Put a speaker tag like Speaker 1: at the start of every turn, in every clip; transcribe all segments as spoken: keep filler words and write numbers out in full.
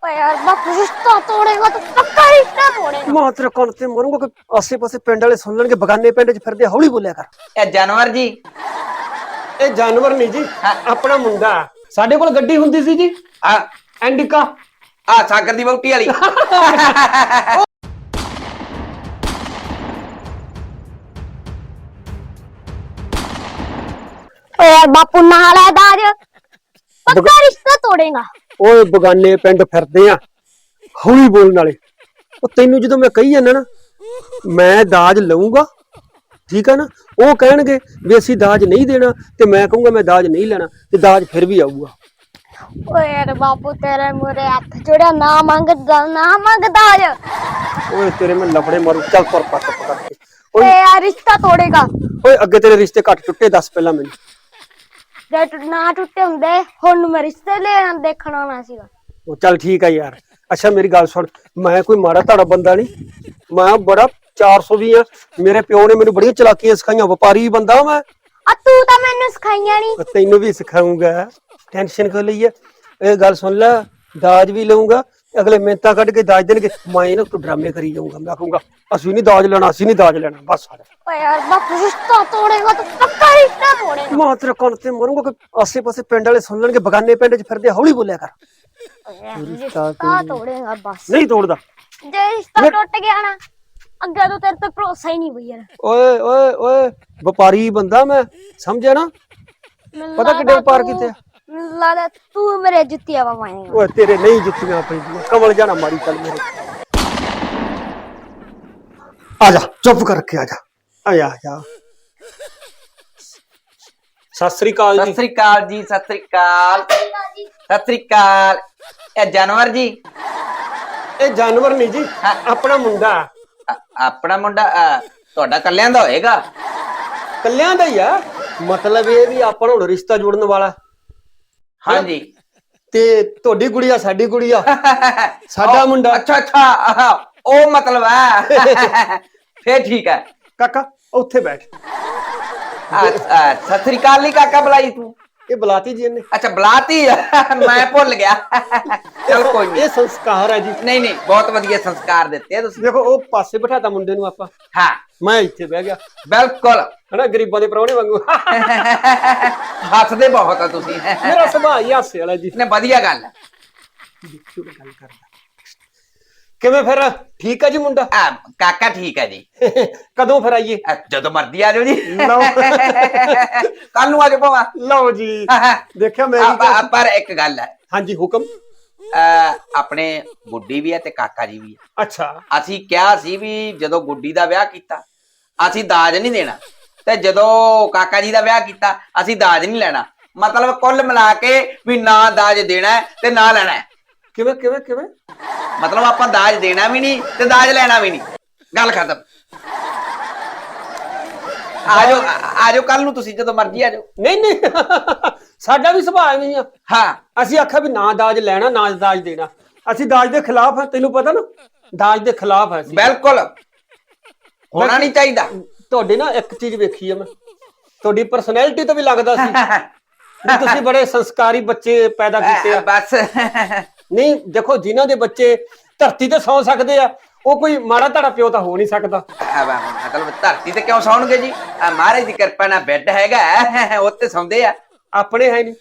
Speaker 1: यार बापू रिश्ता तोड़ेगा तो पक्का रिश्ता तोड़ेगा।
Speaker 2: मैं तेरे कान ते मरूंगा कि आसे पासे पिंड वाले सुन लेंगे बगाने पिंड च फिरदे हौली बोलिया कर।
Speaker 3: ਇਹ ਜਾਨਵਰ ਜੀ
Speaker 2: ਇਹ ਜਾਨਵਰ ਨਹੀਂ ਜੀ
Speaker 3: ਹਾਂ।
Speaker 2: ਆਪਣਾ ਮੁੰਡਾ ਸਾਡੇ ਕੋਲ ਗੱਡੀ ਹੁੰਦੀ ਸੀ ਜੀ
Speaker 3: ਆ
Speaker 2: ਐਂਡਿਕਾ
Speaker 3: ਆ ਸਾਗਰ ਦੀ ਵਹੁਟੀ ਵਾਲੀ
Speaker 1: ओ यार बापू नहाला है दाज पक्का रिश्ता तोड़ेगा।
Speaker 2: ਓਏ ਬਗਾਨੇ ਪਿੰਡ ਫਿਰਦੇ ਆ ਹੌਲੀ ਬੋਲਣ ਵਾਲੇ ਉਹ ਤੈਨੂੰ ਜਦੋਂ ਮੈਂ ਕਹੀ ਜਾਂਦਾ ਨਾ ਮੈਂ ਦਾਜ ਲਊਂਗਾ ਠੀਕ ਆ ਨਾ ਉਹ ਕਹਿਣਗੇ ਵੀ ਅਸੀਂ ਦਾਜ ਨਹੀਂ ਦੇਣਾ ਤੇ ਮੈਂ ਕਹੂੰਗਾ ਮੈਂ ਦਾਜ ਨਹੀਂ ਲੈਣਾ ਤੇ ਦਾਜ ਫਿਰ ਵੀ ਆਊਗਾ।
Speaker 1: ओ यार बापू तेरे मुरे हाथ जोड़िया ना मांग ना मांग दाज।
Speaker 2: ਓਏ ਤੇਰੇ ਮੈਂ ਲਫੜੇ ਮਾਰੂ ਚੱਲ ਤੁਰ ਪੱਟ ਪਕੜ ਕੇ
Speaker 1: ओ
Speaker 2: ਓਏ
Speaker 1: यार रिश्ता तोड़ेगा
Speaker 2: ਓਏ ਅੱਗੇ ਤੇਰੇ ਰਿਸ਼ਤੇ ਘੱਟ ਟੁੱਟੇ ਦੱਸ ਪਹਿਲਾਂ ਮੈਨੂੰ।
Speaker 1: ਜੇ ਟੁ- ਨਾ ਟੁੱਟੇ ਹੁੰਦੇ ਹੁਣ ਨੂੰ ਮੈਂ ਰਿਸ਼ਤੇ ਲੈਣ ਦੇਖਣ ਆਉਣਾ ਸੀਗਾ।
Speaker 2: ਉਹ ਚੱਲ ਠੀਕ ਆ ਯਾਰ ਅੱਛਾ ਮੇਰੀ ਗੱਲ ਸੁਣ ਮੈਂ ਕੋਈ ਮਾੜਾ ਧਾੜਾ ਬੰਦਾ ਨਹੀਂ ਮੈਂ ਬੜਾ ਚਾਰ ਸੌ ਵੀ ਆ ਮੇਰੇ ਪਿਓ ਨੇ ਮੈਨੂੰ ਬੜੀਆਂ ਚਲਾਕੀਆਂ ਸਿਖਾਈਆਂ ਵਪਾਰੀ ਬੰਦਾ ਮੈਂ
Speaker 1: ਆ ਤੂੰ ਤਾਂ ਮੈਨੂੰ ਸਿਖਾਈਆਂ ਨਹੀਂ।
Speaker 2: ਤੈਨੂੰ ਵੀ ਸਿਖਾਉਂਗਾ ਟੈਨਸ਼ਨ ਕਿਉਂ ਲਈ ਹੈ ਇਹ ਗੱਲ ਸੁਣ ਲੈ ਦਾਜ ਵੀ ਲਊਂਗਾ ਅਗਲੇ ਮਿਹਨਤਾਂ ਕੱਢ ਕੇ ਦਾਜ ਦੇਣਗੇ ਮੈਂ ਇਹਨਾਂ ਤੋਂ ਡਰਾਮੇ ਕਰੀ ਜਾਊਂਗਾ ਮੈਂ ਕਹੂੰਗਾ ਅਸੀਂ ਨਹੀਂ ਦਾਜ ਲੈਣਾ ਅਸੀਂ ਨਹੀਂ ਦਾਜ ਲੈਣਾ ਬਸ ਸਾਰਾ
Speaker 1: ओ यार बापू रिश्ता तोड़ेगा तो पक्का रिश्ता तोड़ेगा।
Speaker 2: ਮੈਂ ਤੇਰੇ ਕੰਨ ਤੇ ਮਰੂੰਗਾ ਕਿ ਆਸੇ ਪਾਸੇ ਪਿੰਡ ਵਾਲੇ ਸੁਣ ਲੈਣਗੇ ਬਗਾਨੇ ਪਿੰਡ 'ਚ ਫਿਰਦੇ ਹੌਲੀ ਬੋਲਿਆ ਕਰ।
Speaker 1: ओ यार रिश्ता तोड़ेगा बस।
Speaker 2: ਨਹੀਂ ਤੋੜਦਾ
Speaker 1: जे रिश्ता टूट गया ना अगे तो तेरे पे भरोसा ही नहीं भैया।
Speaker 2: ਓਏ ਓਏ ਓਏ ਵਪਾਰੀ ਬੰਦਾ ਮੈਂ ਸਮਝਿਆ ਨਾ ਪਤਾ ਕਿੱਡੇ ਵਪਾਰ ਕੀਤੇ ਆ?
Speaker 1: लादा तू मेरे जुत्तियां पवाएगा।
Speaker 2: ਓਏ ਤੇਰੇ ਨਹੀਂ ਜੁੱਤੀਆਂ ਪੈਂਦੀਆਂ ਕਮਲ ਜਾਣਾ ਮਾਰੀ ਚੱਲ ਮੇਰੇ ਆ ਜਾ ਚੁੱਪ ਕਰਕੇ ਆ ਜਾ ਆ ਜਾ ਆ ਜਾ ਸਤਿ ਸ੍ਰੀ ਅਕਾਲ
Speaker 3: ਸਤਿ
Speaker 2: ਜੀ
Speaker 3: ਸ੍ਰੀ ਅਕਾਲ ਜੀ ਸਤਿ ਸ੍ਰੀ ਅਕਾਲ ਸਤਿ ਸ੍ਰੀ ਅਕਾਲ ਇਹ ਜਾਨਵਰ ਜੀ
Speaker 2: ਇਹ ਜਾਨਵਰ ਨਹੀਂ ਜੀ
Speaker 3: ਹਾਂ।
Speaker 2: ਆਪਣਾ ਮੁੰਡਾ
Speaker 3: ਆ- ਆਪਣਾ ਮੁੰਡਾ ਆ, ਤੁਹਾਡਾ ਕੱਲਿਆਂ ਦਾ ਹੋਏਗਾ।
Speaker 2: ਕੱਲਿਆਂ ਦਾ ਹੀ ਆ ਮਤਲਬ ਇਹ ਵੀ ਆਪਾਂ ਨੂੰ ਰਿਸ਼ਤਾ ਜੋੜਨ ਵਾਲਾ
Speaker 3: ਹਾਂਜੀ
Speaker 2: ਤੇ ਤੁਹਾਡੀ ਗੁੜੀਆ ਸਾਡੀ ਗੁੜੀਆ ਸਾਡਾ
Speaker 3: ਉਹ-
Speaker 2: ਮੁੰਡਾ
Speaker 3: ਅੱਛਾ ਅੱਛਾ ਆਹਾ, ਉਹ ਮਤਲਬ ਹੈ ਫੇਰ ਠੀਕ ਹੈ।
Speaker 2: ਕਾਕਾ ਉੱਥੇ ਬੈਠ
Speaker 3: ਆ, ਆ, ਸਤਿ ਸ੍ਰੀ ਅਕਾਲ ਨਹੀਂ ਕਾਕਾ ਬੁਲਾਈ ਤੂੰ।
Speaker 2: ਇਹ ਬੁਲਾਤੀ ਜੀ ਇਹਨੇ
Speaker 3: ਅੱਛਾ ਬੁਲਾਤੀ ਆ, ਮੈਂ ਭੁੱਲ ਗਿਆ ਚਲ ਕੋਈ ਨਹੀਂ
Speaker 2: ਇਹ ਸੰਸਕਾਰ ਹੈ ਜੀ
Speaker 3: ਨਹੀਂ ਨਹੀਂ ਬਹੁਤ ਵਧੀਆ ਸੰਸਕਾਰ ਦਿੱਤੇ ਆ ਤੁਸੀਂ।
Speaker 2: ਦੇਖੋ ਉਹ ਪਾਸੇ ਬਿਠਾਤਾ ਮੁੰਡੇ ਨੂੰ ਆਪਾਂ
Speaker 3: ਹਾਂ
Speaker 2: ਮੈਂ ਇੱਥੇ ਬਹਿ ਗਿਆ
Speaker 3: ਬਿਲਕੁਲ
Speaker 2: ਹਨਾ ਗਰੀਬਾਂ ਦੇ ਪ੍ਰਾਹੁਣੇ ਵਾਂਗੂ
Speaker 3: ਹੱਸਦੇ ਬਹੁਤ ਆ ਤੁਸੀਂ
Speaker 2: ਮੇਰਾ ਸੁਭਾਅ ਹੀ ਹਾਸੇ ਵਾਲਾ ਜੀ
Speaker 3: ਨੇ ਵਧੀਆ ਗੱਲ ਹੈ।
Speaker 2: ਦੇਖਿਓ ਮੈਂ ਗੱਲ ਕਰਦਾ ਕਿਵੇਂ ਫਿਰ ਠੀਕ ਹੈ ਜੀ ਮੁੰਡਾ
Speaker 3: ਆ, ਕਾਕਾ ਠੀਕ ਹੈ ਜੀ।
Speaker 2: ਕਦੋਂ ਫਿਰ ਆਈਏ
Speaker 3: ਆ, ਜਦੋਂ ਮਰਦੀ ਆ ਜਾਓ ਜੀ
Speaker 2: ਲਓ
Speaker 3: ਕੱਲ ਨੂੰ ਆ ਜਾਓ ਭਾਵਾ।
Speaker 2: ਲਓ ਜੀ ਦੇਖਿਆ ਮੈਂ ਵੀ
Speaker 3: ਆ, ਪਰ ਇੱਕ ਗੱਲ ਹੈ
Speaker 2: ਹਾਂਜੀ ਹੁਕਮ
Speaker 3: ਆ, ਆਪਣੇ ਗੁੱਡੀ ਵੀ ਹੈ ਤੇ ਕਾਕਾ ਜੀ ਵੀ ਹੈ।
Speaker 2: ਅੱਛਾ
Speaker 3: ਅਸੀਂ ਕਿਹਾ ਸੀ ਵੀ ਜਦੋਂ ਗੁੱਡੀ ਦਾ ਵਿਆਹ ਕੀਤਾ ਅਸੀਂ ਦਾਜ ਨਹੀਂ ਦੇਣਾ ਤੇ ਜਦੋਂ ਕਾਕਾ ਜੀ ਦਾ ਵਿਆਹ ਕੀਤਾ ਅਸੀਂ ਦਾਜ ਨਹੀਂ ਲੈਣਾ। ਮਤਲਬ ਕੁੱਲ ਮਿਲਾ ਕੇ ਵੀ ਨਾ ਦਾਜ ਦੇਣਾ ਹੈ ਤੇ ਨਾ ਲੈਣਾ ਹੈ।
Speaker 2: ਕਿਵੇਂ ਕਿਵੇਂ ਕਿਵੇਂ
Speaker 3: ਮਤਲਬ ਆਪਾਂ ਦਾਜ ਦੇਣਾ ਵੀ ਨਹੀਂ ਤੇ ਦਾਜ ਲੈਣਾ ਵੀ ਨਹੀਂ। ਗੱਲ ਖਤਮ। ਆਜੋ ਆਜੋ ਕੱਲ ਨੂੰ ਤੁਸੀਂ ਜਦੋਂ ਮਰਜ਼ੀ ਆਜੋ।
Speaker 2: ਨਹੀਂ ਨਹੀਂ ਸਾਡਾ ਵੀ ਸੁਭਾਅ ਨਹੀਂ ਆ
Speaker 3: ਹਾਂ
Speaker 2: ਅਸੀਂ ਆਖਿਆ ਵੀ ਨਾ ਦਾਜ ਲੈਣਾ ਨਾ ਦਾਜ ਦੇਣਾ ਅਸੀਂ ਦਾਜ ਦੇ ਖਿਲਾਫ ਹਾਂ ਤੈਨੂੰ ਪਤਾ ਨਾ ਦਾਜ ਦੇ ਖਿਲਾਫ ਹੈ ਅਸੀਂ।
Speaker 3: ਬਿਲਕੁਲ ਹੋਣਾ ਨਹੀਂ ਚਾਹੀਦਾ।
Speaker 2: ਤੁਹਾਡੇ ਨਾ ਇੱਕ ਚੀਜ਼ ਵੇਖੀ ਆ ਮੈਂ ਤੁਹਾਡੀ ਪਰਸਨੈਲਿਟੀ ਤੋਂ ਵੀ ਲੱਗਦਾ ਸੀ ਵੀ ਤੁਸੀਂ ਬੜੇ ਸੰਸਕਾਰੀ ਬੱਚੇ ਪੈਦਾ ਕੀਤੇ ਆ।
Speaker 3: ਬਸ
Speaker 2: ਨਹੀਂ ਦੇਖੋ ਜਿਨ੍ਹਾਂ ਦੇ ਬੱਚੇ ਧਰਤੀ ਤੇ ਸੌ ਸਕਦੇ ਆ ਉਹ ਕੋਈ ਮਾੜਾ ਧੜਾ ਪਿਓ ਤਾਂ ਹੋ ਨਹੀਂ ਸਕਦਾ।
Speaker 3: ਮਤਲਬ ਧਰਤੀ ਤੇ ਕਿਉਂ ਸੌਣਗੇ ਜੀ? ਆ ਮਹਾਰਾਜ ਦੀ ਕਿਰਪਾ ਨਾਲ ਬੈੱਡ ਹੈਗਾ ਉੱਤੇ ਸੌਂਦੇ ਆ।
Speaker 2: ਆਪਣੇ ਹੈ ਨਹੀਂ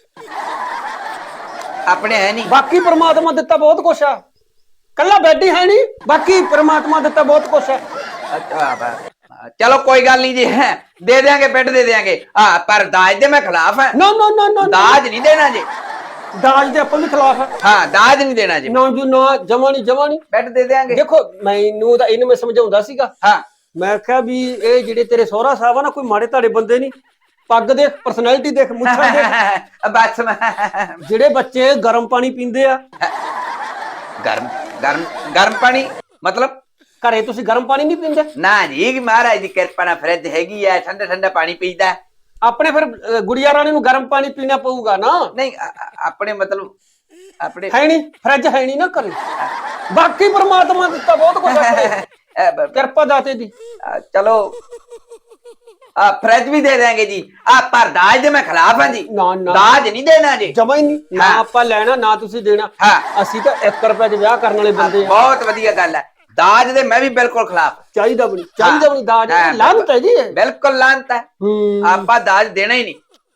Speaker 3: ਆਪਣੇ ਹੈ ਨਹੀਂ।
Speaker 2: ਬਾਕੀ ਪ੍ਰਮਾਤਮਾ ਦਿੱਤਾ ਬਹੁਤ ਕੁਛ ਆ ਕੱਲਾ ਬੈੱਡ ਹੀ ਹੈ ਨਹੀਂ ਬਾਕੀ ਪ੍ਰਮਾਤਮਾ ਦਿੱਤਾ ਬਹੁਤ ਕੁਛ ਆ।
Speaker 3: ਅੱਛਾ ਬ- ਚਲੋ ਕੋਈ ਗੱਲ ਨਹੀਂ ਜੀ ਦੇ ਦਿਆਂਗੇ ਬੈੱਡ ਦੇ ਦਿਆਂਗੇ। ਆ ਪਰ ਦਾਜ ਦੇ ਮੈਂ ਖਿਲਾਫ ਹਾਂ।
Speaker 2: ਨੋ ਨੋ ਨੋ ਨੋ
Speaker 3: ਦਾਜ ਨਹੀਂ ਦੇਣਾ ਜੀ।
Speaker 2: ਦਾਜ ਦੇ ਆਪਾਂ ਵੀ ਖਿਲਾਫ ਆ
Speaker 3: ਹਾਂ ਦਾਜ ਨਹੀਂ ਦੇਣਾ ਜੀ।
Speaker 2: ਨਾ ਜੀ ਨਾ ਜਮਾ ਨਹੀਂ ਜਮਾ ਨਹੀਂ
Speaker 3: ਬੈੱਡ ਦੇ ਦਿਆਂਗੇ।
Speaker 2: ਦੇਖੋ ਮੈਨੂੰ ਤਾਂ ਇਹਨੂੰ ਮੈਂ ਸਮਝਾਉਂਦਾ ਸੀਗਾ
Speaker 3: ਹਾਂ
Speaker 2: ਮੈਂ ਕਿਹਾ ਵੀ ਇਹ ਜਿਹੜੇ ਤੇਰੇ ਸਹੁਰਾ ਸਾਹਿਬ ਆ ਨਾ ਕੋਈ ਮਾੜੇ ਧਾੜੇ ਬੰਦੇ ਨਹੀਂ ਪੱਗ ਦੇਖ ਪਰਸਨੈਲਿਟੀ ਦੇਖ ਮੁੱਛਾਂ ਦੇਖ
Speaker 3: ਬਸ ਮੈਂ-
Speaker 2: ਜਿਹੜੇ ਬੱਚੇ ਗਰਮ ਪਾਣੀ ਪੀਂਦੇ ਆ
Speaker 3: ਗਰਮ ਗਰਮ ਗਰਮ ਪਾਣੀ ਮਤਲਬ
Speaker 2: ਘਰੇ ਤੁਸੀਂ ਗਰਮ ਪਾਣੀ ਨਹੀਂ ਪੀਂਦੇ
Speaker 3: ਨਾ ਜੀ ਮਹਾਰਾਜ ਦੀ ਕਿਰਪਾ ਨਾਲ ਫਰਿੱਜ ਹੈਗੀ ਆ ਠੰਡਾ ਠੰਡਾ ਪਾਣੀ ਪੀਦਾ।
Speaker 2: ਆਪਣੇ ਫਿਰ ਅਹ, ਗੁੜੀਆ ਰਾਣੀ ਨੂੰ ਗਰਮ ਪਾਣੀ ਪੀਣਾ ਪਊਗਾ ਨਾ
Speaker 3: ਨਹੀਂ ਅ- ਅ- ਆਪਣੇ ਮਤਲਬ ਆਪਣੇ
Speaker 2: ਹੈ ਨਹੀਂ ਫਰਿੱਜ ਹੈ ਨਹੀਂ ਨਾ ਘਰੇ ਬਾਕੀ ਪ੍ਰਮਾਤਮਾ ਦਿੱਤਾ ਬਹੁਤ ਕੁਝ ਆਪਣੇ
Speaker 3: ਅ, ਬ-
Speaker 2: ਕਿਰਪਾ ਦਾਤੇ ਦੀ
Speaker 3: ਅ, ਚਲੋ ਆ ਫਰਿੱਜ ਵੀ ਦੇ ਦੇਾਂਗੇ ਜੀ ਆ ਪਰ ਦਾਜ ਦੇ ਮੈਂ ਖਿਲਾਫ ਹਾਂ ਜੀ
Speaker 2: ਨਾ ਨਾ
Speaker 3: ਦਾਜ ਨਹੀਂ ਦੇਣਾ ਜੀ
Speaker 2: ਜਮਾ ਹੀ ਨਹੀਂ ਨਾ
Speaker 3: ਹਾਂ।
Speaker 2: ਆਪਾਂ ਲੈਣਾ ਨਾ ਤੁਸੀਂ ਦੇਣਾ
Speaker 3: ਹਾਂ।
Speaker 2: ਅਸੀਂ ਤਾਂ ਇੱਕ ਰੁਪਏ 'ਚ ਵਿਆਹ ਕਰਨ ਵਾਲੇ ਬੰਦੇ ਆ
Speaker 3: ਬਹੁਤ ਵਧੀਆ ਗੱਲ ਹੈ ਦਾਜ ਦੇ ਮੈਂ ਵੀ ਬਿਲਕੁਲ ਖਿਲਾਫ
Speaker 2: ਚਾਹੀਦਾ ਵੀ ਨਹੀਂ ਚਾਹੀਦਾ ਵੀ ਨਹੀਂ ਦਾਜ
Speaker 3: ਹਾਂ,
Speaker 2: ਲਾਂਤ ਹੈ ਜੀ ਇਹ।
Speaker 3: ਬਿਲਕੁਲ ਲਾਂਤ ਹੈ
Speaker 2: ਹੂੰ
Speaker 3: ਆਪਾਂ ਦਾਜ ਦੇਣਾ ਹੀ ਨਹੀਂ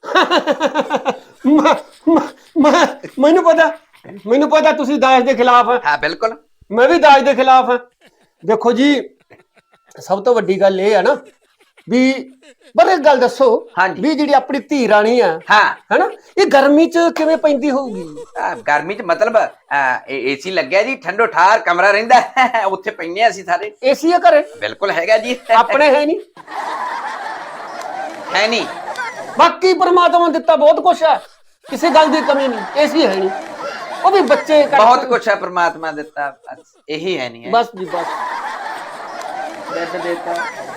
Speaker 2: ਮ- ਮ- ਮ- ਮੈਨੂੰ ਪਤਾ ਮੈਨੂੰ ਪਤਾ ਤੁਸੀਂ ਦਾਜ ਦੇ ਖਿਲਾਫ ਆ
Speaker 3: ਹਾਂ ਬਿਲਕੁਲ
Speaker 2: ਮੈਂ ਵੀ ਦਾਜ ਦੇ ਖਿਲਾਫ ਹਾਂ ਦੇਖੋ ਜੀ ਸਭ ਤੋਂ ਵੱਡੀ ਗੱਲ ਇਹ ਆ ਨਾ ਵੀ ਪਰ ਇੱਕ ਗੱਲ ਦੱਸੋ
Speaker 3: ਹਾਂਜੀ।
Speaker 2: ਵੀ ਜਿਹੜੀ ਆਪਣੀ ਧੀ ਰਾਣੀ ਆ
Speaker 3: ਹਾਂ
Speaker 2: ਹੈਨਾ ਇਹ ਗਰਮੀ 'ਚ ਕਿਵੇਂ ਪੈਂਦੀ ਹੋਊਗੀ
Speaker 3: ਆ, ਗਰਮੀ ਚ ਮਤਲਬ ਏਸੀ ਲੱਗਿਆ ਜੀ ਠੰਡੋ ਠਾਰ ਕਮਰਾ ਰਹਿੰਦਾ ਹੈ, ਉੱਥੇ ਪੈਨੇ ਅਸੀਂ ਸਾਰੇ
Speaker 2: ਏਸੀ ਆ ਘਰੇ
Speaker 3: ਬਿਲਕੁਲ ਹੈਗਾ ਜੀ
Speaker 2: ਆਪਣੇ ਹੈ ਨਹੀਂ
Speaker 3: ਹੈ ਨਹੀਂ
Speaker 2: ਬਾਕੀ ਪਰਮਾਤਮਾ ਨੇ ਦਿੱਤਾ ਬਹੁਤ ਕੁਛ ਹੈ ਕਿਸੇ ਗੱਲ ਦੀ ਕਮੀ ਨਹੀਂ ਏਸੀ ਹੈ ਨਹੀਂ ਉਹ ਵੀ ਬੱਚੇ ਕਰਕੇ-
Speaker 3: ਬਹੁਤ ਕੁਛ ਹੈ ਪ੍ਰਮਾਤਮਾ ਦਿੱਤਾ ਬਸ ਇਹੀ ਹੈ ਨਹੀਂ ਹੈ
Speaker 2: ਬਸ ਜੀ ਬਸ
Speaker 3: ਬੈੱਡ ਦੇਤਾ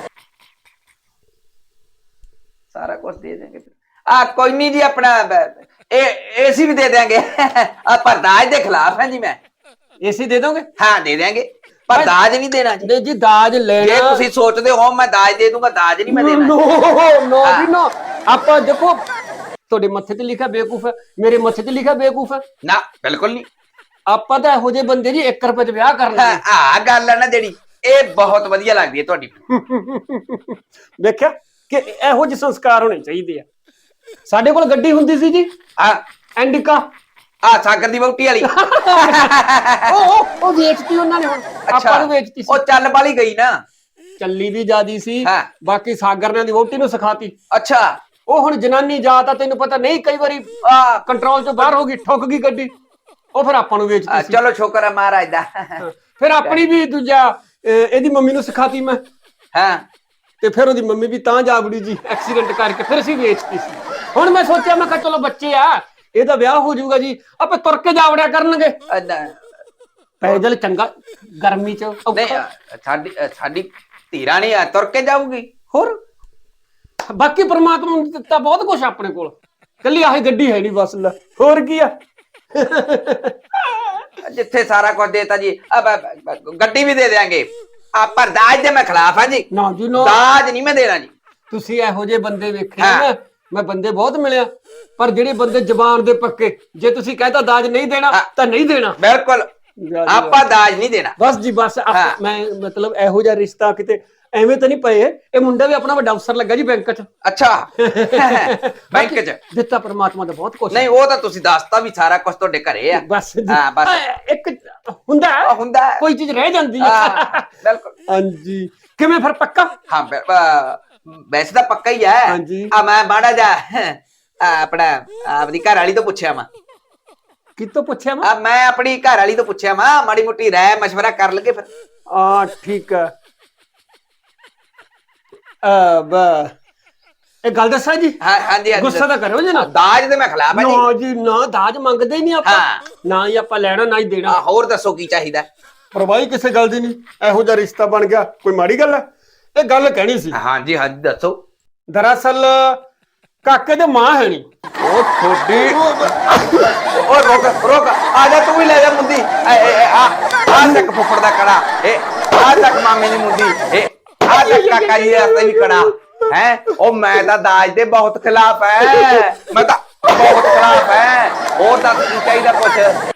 Speaker 3: ਸਾਰਾ ਕੁਝ ਦੇ ਦੇंगे ਆ ਕੋਈ ਨਹੀਂ ਜੀ ਆਪਣਾ ਬ- ਇਹ ਏਸੀ ਵੀ ਦੇ ਦੇंगे ਆ ਪਰ ਦਾਜ ਦੇ ਖਿਲਾਫ ਹਾਂ ਜੀ ਮੈਂ
Speaker 2: ਏਸੀ ਦੇ ਦੋਗੇ
Speaker 3: ਹਾਂ ਦੇ ਦੇंगे ਪਰ ਦਾਜ ਨਹੀਂ ਦੇਣਾ ਜੀ
Speaker 2: ਨਹੀਂ ਜੀ ਦਾਜ
Speaker 3: ਜੇ
Speaker 2: ਲੈਣਾ
Speaker 3: ਤੁਸੀਂ ਸੋਚਦੇ ਹੋ ਮੈਂ ਦਾਜ ਦੇ ਦੂੰਗਾ ਦਾਜ ਨਹੀਂ ਮੈਂ ਦੇਣਾ
Speaker 2: ਨੋ ਨੋ
Speaker 3: ਹਾਂ।
Speaker 2: ਜੀ ਨੋ ਆਪਾਂ ਦੇਖੋ ਤੁਹਾਡੇ ਮੱਥੇ ਤੇ ਲਿਖਿਆ ਬੇਵਕੂਫ ਹੈ ਮੇਰੇ ਮੱਥੇ ਤੇ ਲਿਖਿਆ ਬੇਵਕੂਫ ਹੈ
Speaker 3: ਨਾ ਬਿਲਕੁਲ ਨਹੀਂ
Speaker 2: ਆਪਾਂ ਤਾਂ ਇਹੋ ਜਿਹੇ ਬੰਦੇ ਜੀ ਇੱਕ ਰੁਪਏ 'ਚ ਵਿਆਹ ਕਰ ਲੈਂਦੇ
Speaker 3: ਆ ਗੱਲ ਹੈ ਨਾ ਜਿਹੜੀ ਇਹ ਬਹੁਤ ਵਧੀਆ ਲੱਗਦੀ ਹੈ ਤੁਹਾਡੀ
Speaker 2: ਦੇਖਿਆ ਕਿ ਇਹੋ ਜਿਹੇ ਸੰਸਕਾਰ ਹੋਣੇ ਚਾਹੀਦੇ ਆ ਸਾਡੇ ਕੋਲ ਗੱਡੀ ਹੁੰਦੀ ਸੀ ਜੀ
Speaker 3: ਆ
Speaker 2: ਐਂਡਿਕਾ
Speaker 3: ਆ ਸਾਗਰ ਦੀ ਵਹੁਟੀ ਵਾਲੀ
Speaker 2: ਉਹ ਉਹ- ਉਹ ਵੇਚਤੀ ਉਹਨਾਂ ਨੇ ਹੁਣ ਆਪਾਂ ਨੂੰ ਵੇਚਤੀ ਸੀ
Speaker 3: ਉਹ ਚੱਲ ਵਾਲੀ ਗਈ ਨਾ
Speaker 2: ਚੱਲੀ ਵੀ ਜਿਆਦੀ ਸੀ
Speaker 3: ਹਾਂ।
Speaker 2: ਬਾਕੀ ਸਾਗਰ ਨੇ ਦੀ ਵਹੁਟੀ ਨੂੰ ਸਿਖਾਤੀ
Speaker 3: ਅੱਛਾ
Speaker 2: ਉਹ ਹੁਣ ਜਨਾਨੀ ਜਾਤ ਆ ਤੈਨੂੰ ਪਤਾ ਨਹੀਂ ਕਈ ਵਾਰੀ ਆ ਕੰਟਰੋਲ ਤੋਂ ਬਾਹਰ ਹੋ ਗਈ ਠੁੱਕ ਗਈ ਗੱਡੀ ਉਹ ਫਿਰ ਆਪਾਂ ਨੂੰ
Speaker 3: ਆ,
Speaker 2: ਵੇਚਤੀ ਸੀ
Speaker 3: ਚਲੋ ਸ਼ੁਕਰ ਹੈ ਮਹਾਰਾਜ ਦਾ
Speaker 2: ਫਿਰ ਆਪਣੀ ਵੀ ਦੂਜਾ ਅਹ, ਇਹਦੀ ਮੰਮੀ ਨੂੰ ਸਿਖਾਤੀ ਮੈਂ
Speaker 3: ਹਾਂ
Speaker 2: ਤੇ ਫਿਰ ਉਹਦੀ ਮੰਮੀ ਵੀ ਤਾਂ ਜਾਗੜੀ ਜੀ ਐਕਸੀਡੈਂਟ ਕਰਕੇ ਫਿਰ ਅਸੀਂ ਵੇਚਤੀ ਸੀ ਹੁਣ ਮੈਂ ਸੋਚਿਆ ਮੈਂ ਕਿਹਾ ਚਲੋ ਬੱਚੇ ਆ ਇਹਦਾ ਵਿਆਹ ਹੋ ਜਾਊਗਾ ਜੀ ਆਪੇ ਤੁਰ ਕੇ ਜਾਵੜਿਆ ਕਰਨਗੇ
Speaker 3: ਅ, ਨ-
Speaker 2: ਪੈਦਲ ਚੰਗਾ ਗਰਮੀ ਚ ਔਖਾ।
Speaker 3: ਨਹੀਂ ਅ, ਸਾਡੀ ਅ, ਸਾਡੀ ਧੀਰਾ ਨਹੀਂ ਆ ਤੁਰ ਕੇ ਜਾਊਗੀ
Speaker 2: ਹੋਰ ਬਾਕੀ ਪ੍ਰਮਾਤਮਾ ਨੇ ਦਿੱਤਾ ਬਹੁਤ ਕੁਝ ਆਪਣੇ ਕੋਲ ਕੱਲੀ ਆਹੀ ਗੱਡੀ ਹੈ ਨਹੀਂ ਬਸ ਲੈ ਹੋਰ ਕੀ ਆ
Speaker 3: ਜਿੱਥੇ ਸਾਰਾ ਕੁਝ ਦੇਤਾ ਜੀ ਅਬ ਅਬ- ਅਬ ਗੱਡੀ ਵੀ ਦੇ ਦੇਾਂਗੇ ਆ ਪਰ ਦਾਜ ਦੇ ਮੈਂ ਖਿਲਾਫ ਹਾਂ ਜੀ
Speaker 2: ਨਾ ਜੀ ਨਾ
Speaker 3: ਦਾਜ ਨਹੀਂ ਮੈਂ ਦੇਣਾ ਜੀ
Speaker 2: ਤੁਸੀਂ ਇਹੋ ਜਿਹੇ ਬੰਦੇ ਵੇਖੇ
Speaker 3: ਹਾਂ।
Speaker 2: ਨਾ ਮੈਂ ਬੰਦੇ ਬਹੁਤ ਮਿਲਿਆ ਪਰ ਜਿਹੜੇ ਬੰਦੇ ਜ਼ਬਾਨ ਦੇ ਪੱਕੇ ਜੇ ਤੁਸੀਂ ਕਹਿੰਦਾ ਦਾਜ ਨਹੀਂ ਦੇਣਾ
Speaker 3: ਹਾਂ।
Speaker 2: ਤਾਂ ਨਹੀਂ ਦੇਣਾ
Speaker 3: ਬਿਲਕੁਲ ਆਪਾਂ ਦਾਜ ਨਹੀਂ ਦੇਣਾ
Speaker 2: ਬਸ ਜੀ ਬਸ ਆਪ-
Speaker 3: ਹਾਂ।
Speaker 2: ਮੈਂ ਮਤਲਬ ਇਹੋ ਜਿਹਾ ਰਿਸ਼ਤਾ ਕਿਤੇ ਐਵੇਂ ਤਾਂ ਨਹੀਂ ਪਏ ਇਹ ਮੁੰਡਾ ਵੀ ਆਪਣਾ ਵੱਡਾ ਅਫਸਰ ਲੱਗਾ ਜੀ ਬੈਂਕ 'ਚ
Speaker 3: ਅੱਛਾ ਬੈਂਕ 'ਚ
Speaker 2: ਦਿੱਤਾ ਪਰਮਾਤਮਾ ਦਾ ਬਹੁਤ ਕੁਝ
Speaker 3: ਨਹੀਂ ਉਹ ਤਾਂ ਤੁਸੀਂ ਦੱਸਤਾ ਵੀ ਸਾਰਾ ਕੁਝ ਤੁਹਾਡੇ ਘਰੇ ਆ
Speaker 2: ਬਸ ਜੀ
Speaker 3: ਹਾਂ, ਬਸ।
Speaker 2: ਅਹ, ਇੱਕ ਹੁੰਦਾ ਹੈ,
Speaker 3: ਉਹ ਹੁੰਦਾ ਹੈ।
Speaker 2: ਕੋਈ ਚੀਜ਼ ਰਹਿ ਜਾਂਦੀ ਹੈ
Speaker 3: ਹਾਂ, ਬਿਲਕੁਲ
Speaker 2: ਹਾਂਜੀ ਕਿਵੇਂ ਫਿਰ ਪੱਕਾ
Speaker 3: ਹਾਂ ਬਿ- ਅ, ਵੈਸੇ ਤਾਂ ਪੱਕਾ ਹੀ ਹੈ
Speaker 2: ਹਾਂਜੀ।
Speaker 3: ਆ ਮੈਂ ਬਾੜਾ ਜਾ ਆ, ਆਪਣਾ ਆਪਣੀ ਘਰ ਵਾਲੀ ਤੋਂ ਪੁੱਛਿਆ ਮੈਂ
Speaker 2: ਕਿਤੋਂ ਪੁੱਛਿਆ ਮੈਂ
Speaker 3: ਆ ਮੈਂ ਆਪਣੀ ਘਰ ਵਾਲੀ ਤੋਂ ਪੁੱਛਿਆ ਮੈਂ ਮਾੜੀ ਮੋਟੀ ਰਾਏ ਮਸ਼ਵਰਾ ਕਰ ਲਗੇ ਫਿਰ
Speaker 2: ਆ ਠੀਕ ਹੈ ਅ ਬ ਇਹ ਗੱਲ ਦੱਸਾਂ ਜੀ
Speaker 3: ਹਾਂ ਹਾਂਜੀ ਹਾਂਜੀ
Speaker 2: ਗੁੱਸਾ ਤਾਂ ਕਰਿਓ ਜੀ ਨਾ
Speaker 3: ਦਾਜ ਦੇ ਮੈਂ ਖਿਲਾਫ ਹਾਂ ਜੀ
Speaker 2: ਨਾ ਜੀ ਨਾ ਦਾਜ ਮੰਗਦੇ ਹੀ ਨਹੀਂ ਆਪਾਂ
Speaker 3: ਹਾਂ।
Speaker 2: ਨਾ ਹੀ ਆਪਾਂ ਲੈਣਾ ਨਾ ਹੀ ਦੇਣਾ
Speaker 3: ਆ, ਹੋਰ ਦੱਸੋ ਕੀ ਚਾਹੀਦਾ
Speaker 2: ਪਰਵਾਹੀ ਕਿਸੇ ਗੱਲ ਦੀ ਨਹੀਂ ਇਹੋ ਜਿਹਾ ਰਿਸ਼ਤਾ ਬਣ ਗਿਆ ਕੋਈ ਮਾੜੀ ਗੱਲ ਹੈ ਇਹ ਗੱਲ ਕਹਿਣੀ ਸੀ
Speaker 3: ਹਾਂਜੀ ਹਾਂਜੀ ਦੱਸੋ
Speaker 2: ਦਰਅਸਲ ਕਾਕੇ ਦੇ ਮਾਂ ਹੈ ਨਹੀਂ
Speaker 3: ਉਹ ਥੋੜੀ ਉਹ ਰੁਕ ਰੁਕ ਆ ਜਾ ਤੂੰ ਵੀ ਲੈ ਜਾ ਮੁੰਦੀ ਐ, ਐ, ਐ, ਆ ਆ ਤੱਕ ਫੁੱਫੜ ਦਾ ਕੜਾ ਇਹ ਆ ਤੱਕ ਮਾਮੇ ਦੀ ਮੁੰਦੀ ਇਹ ਆ ਤੱਕ ਕਾਕਾ ਜੀ ਦਾ ਵੀ ਕੜਾ ਹੈ ਉਹ ਮੈਂ ਤਾਂ ਦਾਜ ਦੇ ਬਹੁਤ ਖਿਲਾਫ ਹੈ ਮੈਂ ਤਾਂ ਬਹੁਤ ਖਿਲਾਫ ਹੈ ਹੋਰ ਤਾਂ ਕੀ ਚਾਹੀਦਾ ਕੁਛ